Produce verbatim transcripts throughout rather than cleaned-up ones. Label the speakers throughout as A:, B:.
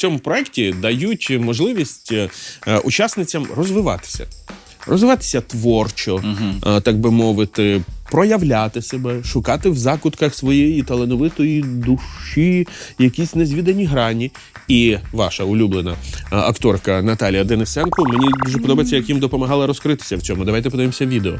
A: цьому проєкті дають можливість е, учасницям розвиватися. Розвиватися творчо, угу. е, так би мовити, проявляти себе, шукати в закутках своєї талановитої душі якісь незвідані грані. І ваша улюблена а, акторка Наталія Денисенко, мені дуже подобається, як їм допомагала розкритися в цьому. Давайте подивимося відео.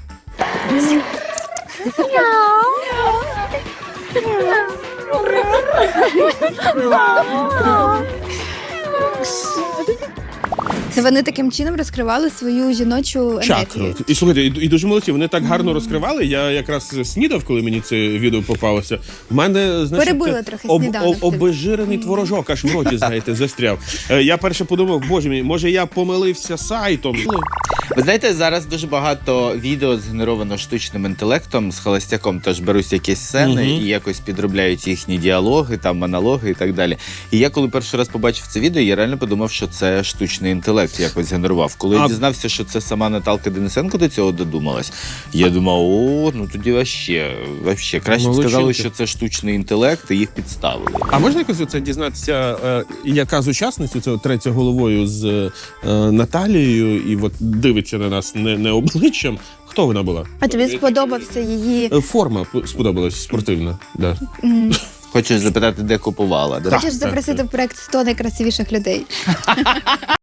B: Це вони таким чином розкривали свою жіночу
A: Чакру.
B: енергію.
A: І слухайте, і, і дуже молодці, вони так гарно mm. розкривали. Я якраз снідав, коли мені це відео попалося. В мене, значить,
B: перебили трохи
A: об,
B: сніданок.
A: об, обезжирений творожок аж в роті, знаєте, застряв. Я перше подумав, боже мій, може я помилився сайтом.
C: Ви знаєте, зараз дуже багато відео згенеровано штучним інтелектом, з Холостяком теж беруть якісь сцени mm-hmm. і якось підробляють їхні діалоги, там монологи і так далі. І я коли перший раз побачив це відео, я реально подумав, що це штучний інтелект якось генерував. Коли а... я дізнався, що це сама Наталка Денисенко до цього додумалась, я думав, о, ну тоді вообще, вообще. Краще б сказали, що це штучний інтелект, і їх підставили.
A: А можна якось це дізнатися, е, яка з учасниць, це третя головою з е, Наталією, і от дивиться на нас не, не обличчям. Хто вона була?
B: А тобі сподобався її...
A: Форма сподобалась, спортивна. Да.
B: Mm.
C: Хочеш запитати, де купувала?
B: Хочеш запросити в проєкт сто найкрасивіших людей?